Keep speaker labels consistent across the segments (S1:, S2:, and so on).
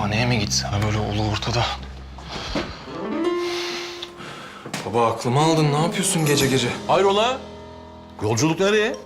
S1: Hastaneye mi gitsem böyle ulu ortada? Baba aklımı aldın. Ne yapıyorsun gece gece?
S2: Hayrola? Yolculuk nereye?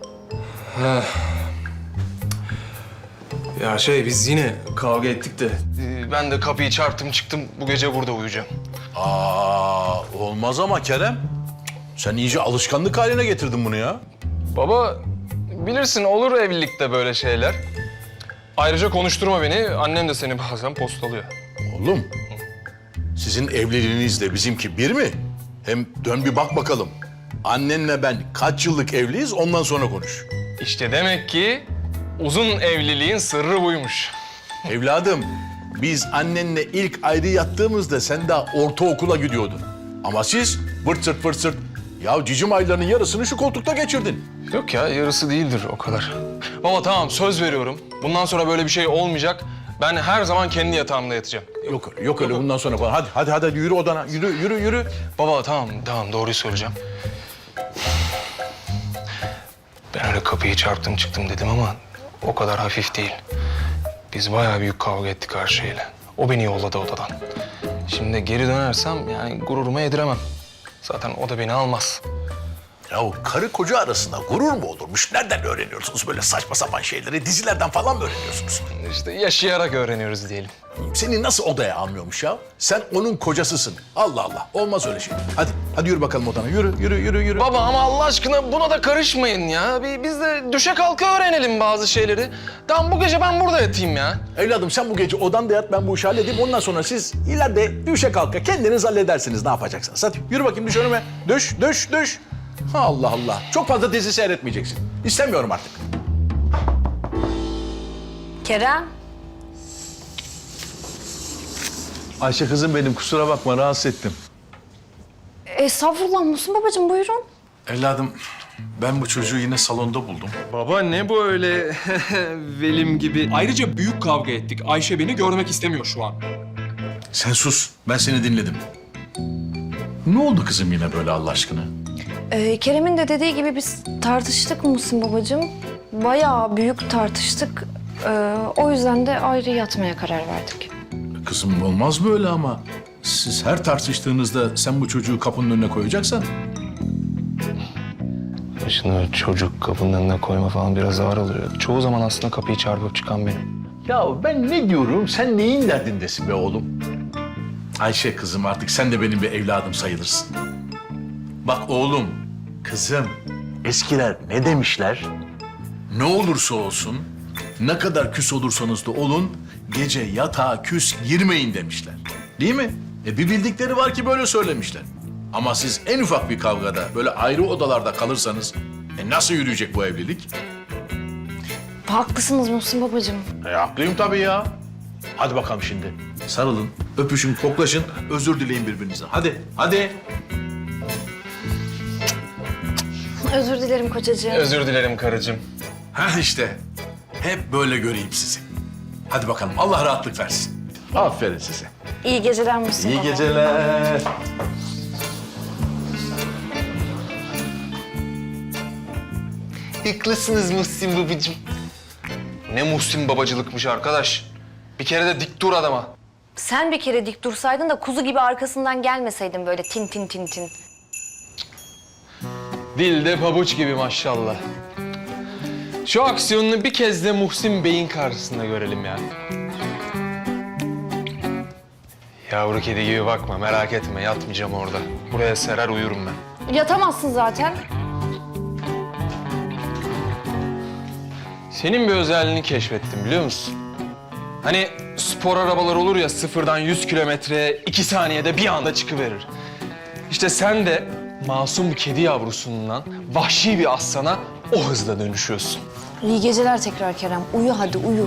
S1: Ya biz yine kavga ettik de. Ben de kapıyı çarptım çıktım. Bu gece burada uyuyacağım.
S2: Olmaz ama Kerem. Sen iyice alışkanlık haline getirdin bunu ya.
S1: Baba bilirsin olur evlilikte böyle şeyler. Ayrıca konuşturma beni. Annem de seni bazen postalıyor.
S2: Oğlum, sizin evliliğinizle bizimki bir mi? Hem dön bir bak bakalım. Annenle ben kaç yıllık evliyiz ondan sonra konuş.
S1: İşte demek ki uzun evliliğin sırrı buymuş.
S2: Evladım, biz annenle ilk ayrı yattığımızda sen daha ortaokula gidiyordun. Ama siz vırt sırt vırt sırt. Ya cicim aylarının yarısını şu koltukta geçirdin.
S1: Yok ya yarısı değildir o kadar. Baba tamam söz veriyorum. Bundan sonra böyle bir şey olmayacak. Ben her zaman kendi yatağımda yatacağım.
S2: Yok öyle bundan sonra falan. Hadi yürü odana. Yürü.
S1: Baba tamam doğruyu söyleyeceğim. Ben öyle kapıyı çarptım çıktım dedim ama o kadar hafif değil. Biz bayağı büyük kavga ettik her şeyle. O beni yolladı odadan. Şimdi geri dönersem yani gururuma yediremem. Zaten o da beni almaz.
S2: Ya o karı koca arasında gurur mu olurmuş? Nereden öğreniyorsunuz böyle saçma sapan şeyleri? Dizilerden falan mı öğreniyorsunuz?
S1: İşte yaşayarak öğreniyoruz diyelim.
S2: Seni nasıl odaya almıyormuş ya? Sen onun kocasısın. Allah Allah. Olmaz öyle şey. Hadi yürü bakalım odana. Yürü.
S1: Baba ama Allah aşkına buna da karışmayın ya. Biz de düşe kalka öğrenelim bazı şeyleri. Tamam bu gece ben burada yatayım ya.
S2: Evladım sen bu gece odanda yat, ben bu işi halledeyim. Ondan sonra siz ileride düşe kalka kendiniz halledersiniz ne yapacaksınız. Hadi yürü bakayım düş önüme. Düş. Allah Allah. Çok fazla dizi seyretmeyeceksin. İstemiyorum artık.
S3: Kerem.
S4: Ayşe kızım benim, kusura bakma rahatsız ettim.
S3: Estağfurullah Muhsin babacığım buyurun.
S4: Evladım, ben bu çocuğu yine salonda buldum.
S1: Baba ne bu öyle velim gibi?
S5: Ayrıca büyük kavga ettik. Ayşe beni görmek istemiyor şu an.
S2: Sen sus. Ben seni dinledim. Ne oldu kızım yine böyle Allah aşkına?
S3: Kerem'in de dediği gibi biz tartıştık Muhsin babacığım. Bayağı büyük tartıştık. O yüzden de ayrı yatmaya karar verdik.
S2: Kızım olmaz böyle ama. Siz her tartıştığınızda sen bu çocuğu kapının önüne koyacaksan...
S1: Başını çocuk kapının önüne koyma falan biraz ağır oluyor. Çoğu zaman aslında kapıyı çarpıp çıkan benim.
S2: Ya ben ne diyorum? Sen neyin derdindesin be oğlum? Ayşe kızım artık sen de benim bir evladım sayılırsın. Bak oğlum, kızım. Eskiler ne demişler? Ne olursa olsun, ne kadar küs olursanız da olun, gece yatağa küs girmeyin demişler. Değil mi? Bir bildikleri var ki böyle söylemişler. Ama siz en ufak bir kavgada böyle ayrı odalarda kalırsanız nasıl yürüyecek bu evlilik?
S3: Haklısınız Muhsin babacığım.
S2: Haklıyım tabii ya. Hadi bakalım şimdi. Sarılın, öpüşün, koklaşın, özür dileyin birbirinizden. Hadi.
S3: Özür dilerim kocacığım.
S1: Özür dilerim karıcığım.
S2: Ha işte. Hep böyle göreyim sizi. Hadi bakalım. Allah rahatlık versin. Aferin size.
S3: İyi geceler Muhsin baba.
S2: geceler.
S1: Haklısınız Muhsin babacığım. Ne Muhsin babacılıkmış arkadaş. Bir kere de dik dur adama.
S3: Sen bir kere dik dursaydın da kuzu gibi arkasından gelmeseydin böyle tin tin tin tin.
S1: Dilde pabuç gibi maşallah. Şu aksiyonunu bir kez de Muhsin Bey'in karşısında görelim ya. Yavru kedi gibi bakma, merak etme. Yatmayacağım orada. Buraya serer uyurum ben.
S3: Yatamazsın zaten.
S1: Senin bir özelliğini keşfettim biliyor musun? Hani spor arabalar olur ya sıfırdan 100 kilometreye 2 saniyede bir anda çıkıverir. İşte sen de masum bir kedi yavrusundan vahşi bir aslana o hızla dönüşüyorsun.
S3: İyi geceler tekrar Kerem. Uyu hadi uyu.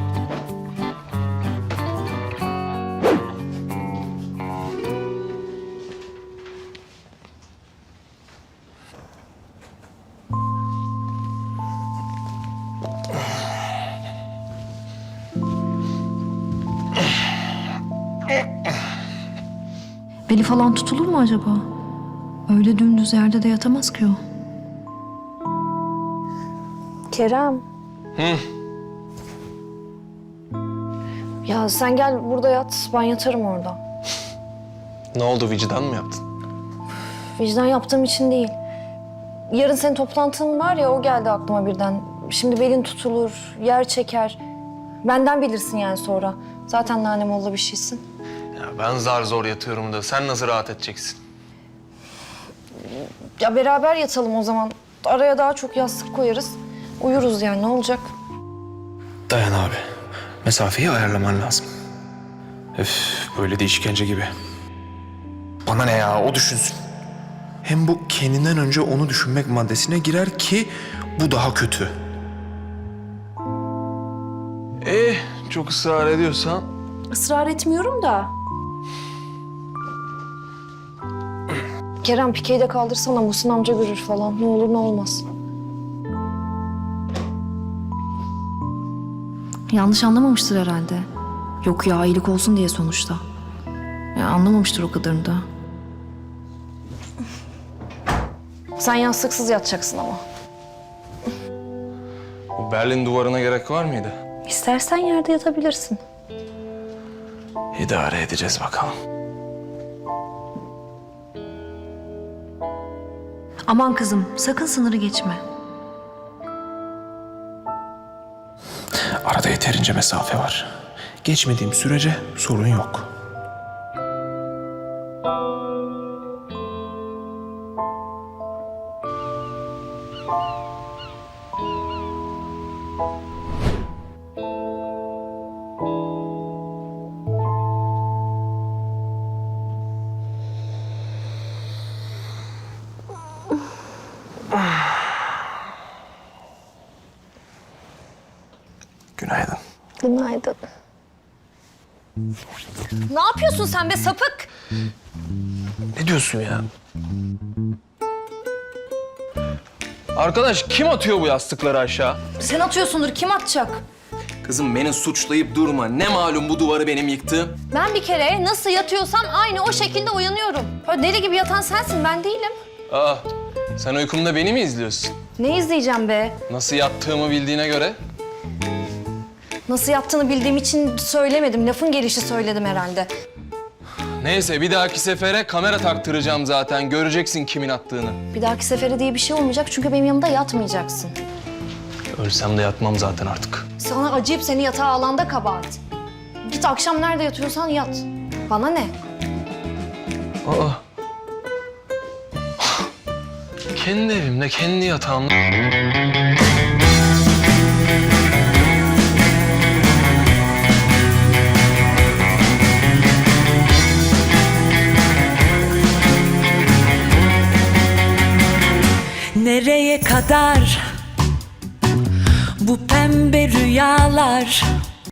S6: Beli falan tutulur mu acaba? Öyle dümdüz yerde de yatamaz ki o.
S3: Kerem. Ya sen gel burada yat, ben yatarım orada.
S1: Ne oldu, vicdan mı yaptın?
S3: Vicdan yaptığım için değil. Yarın senin toplantın var ya, o geldi aklıma birden. Şimdi belin tutulur, yer çeker. Benden bilirsin yani sonra. Zaten nanemolla bir şeysin.
S1: Ya ben zar zor yatıyorum da sen nasıl rahat edeceksin?
S3: Ya beraber yatalım o zaman. Araya daha çok yastık koyarız. Uyuruz yani, ne olacak?
S5: Dayan abi. Mesafeyi ayarlaman lazım. Öf, böyle de işkence gibi. Bana ne ya, o düşünsün. Hem bu kendinden önce onu düşünmek maddesine girer ki bu daha kötü.
S1: Çok ısrar ediyorsan.
S3: Israr etmiyorum da. Kerem, pikeyi de kaldırsana, Muhsin amca görür falan. Ne olur ne olmaz.
S6: Yanlış anlamamıştır herhalde. Yok ya, iyilik olsun diye sonuçta. Ya anlamamıştır o kadarını da.
S3: Sen yastıksız yatacaksın ama.
S1: Bu Berlin duvarına gerek var mıydı?
S3: İstersen yerde yatabilirsin.
S1: İdare edeceğiz bakalım.
S6: Aman kızım, sakın sınırı geçme.
S5: Arada yeterince mesafe var. Geçmediğim sürece sorun yok. Günaydın.
S3: Günaydın. Ne yapıyorsun sen be sapık?
S1: Ne diyorsun ya? Arkadaş, kim atıyor bu yastıkları aşağı?
S3: Sen atıyorsundur, kim atacak?
S1: Kızım beni suçlayıp durma. Ne malum bu duvarı benim yıktığım?
S3: Ben bir kere nasıl yatıyorsam aynı o şekilde uyanıyorum. Böyle deli gibi yatan sensin, ben değilim.
S1: Aa, sen uykumda beni mi izliyorsun?
S3: Ne izleyeceğim be?
S1: Nasıl yattığımı bildiğine göre.
S3: Nasıl yattığını bildiğim için söylemedim. Lafın gelişi söyledim herhalde.
S1: Neyse, bir dahaki sefere kamera taktıracağım zaten. Göreceksin kimin attığını.
S3: Bir dahaki sefere diye bir şey olmayacak çünkü benim yanımda yatmayacaksın.
S1: Ölsem de yatmam zaten artık.
S3: Sana acıyıp seni yatağa alanda kabahat. Git akşam nerede yatıyorsan yat. Bana ne?
S1: Aa. Kendi evimde, kendi yatağımda.
S7: Nereye kadar bu pembe rüyalar?